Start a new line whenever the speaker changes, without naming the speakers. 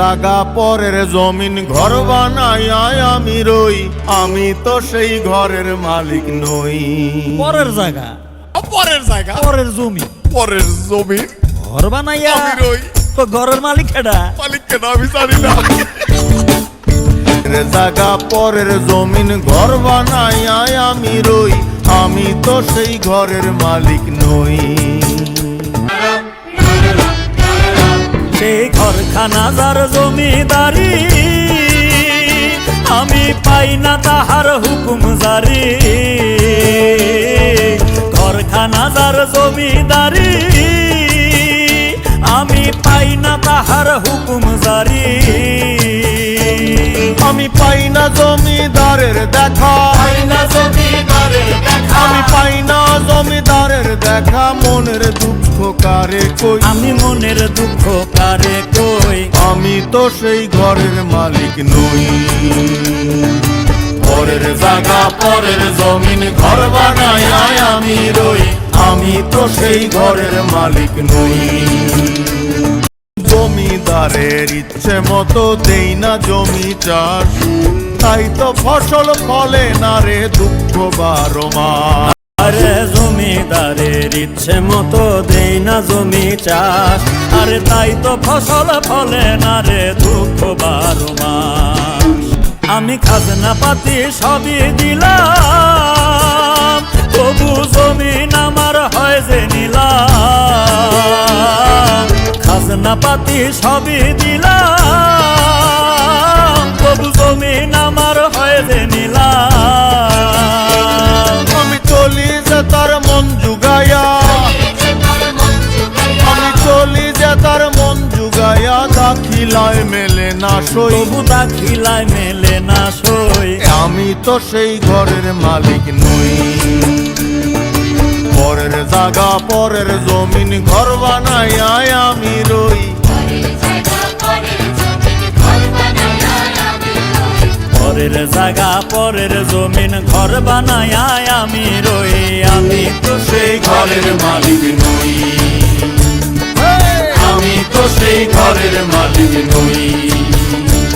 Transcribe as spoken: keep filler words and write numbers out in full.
জাগা পরের জমিন ঘর বানাই আমি রই, আমি তো সেই ঘরের মালিক নই।
পরের জায়গা,
পরের জায়গা,
পরের জমি,
পরের জমি
ঘর বানাইয়া
আমি রই,
তো ঘরের মালিক কেডা?
মালিক কেন আমি জানি না।
জাগা পরের জমিন ঘর বানাই আমি রই, আমি তো সেই ঘরের মালিক নই।
সেই ঘরখানা যার জমিদারি, আমি পাই না তাহার হুকুম জারি। ঘরখানা যার জমিদারি, আমি পাই না তাহার হুকুম জারি।
আমি পাই না জমিদারের দেখা, আমি পাই না জমিদারের দেখা, মনের দুঃখ কারে কই,
আমি মনের দুঃখ কারে কই।
আমি তো সেই ঘরের মালিক নই। পরের জায়গা পরের জমিন ঘর বানাই আমি রই, আমি তো সেই ঘরের মালিক নই। জমিদারের ইচ্ছে মতো দেই না জমি চাষ, তাই তো ফসল ফলে না রে দুঃখ বারো মাস।
আরে জমিদারের ইচ্ছে মতো দেই না জমি চাষ, আরে তাই তো ফসল ফলে না রে দুঃখ বারো মাস। আমি খাজনা পাতি সবই দিলাম, তবু জমিন আমার হয় যে নিলাম। খাজনা পাতি সবই দিলাম, তবু জমিন আমার হয় যে নিলাম।
আমি চলি যে তার মন জুগাইয়া, আমি চলি যে তার মন জুগাইয়া, দাখিলায় মেলে না সই,
তবু দাখিলায় মেলে না সই।
আমি তো সেই ঘরের মালিক নই। পরের জায়গা পরের জমিন ঘর বানাই আমি রই,
পরের জায়গা পরের জমিন ঘর বানায় আমি রই, আমি তো
সেই ঘরের মালিক নই। আমি তো সেই ঘরের মালিক নই।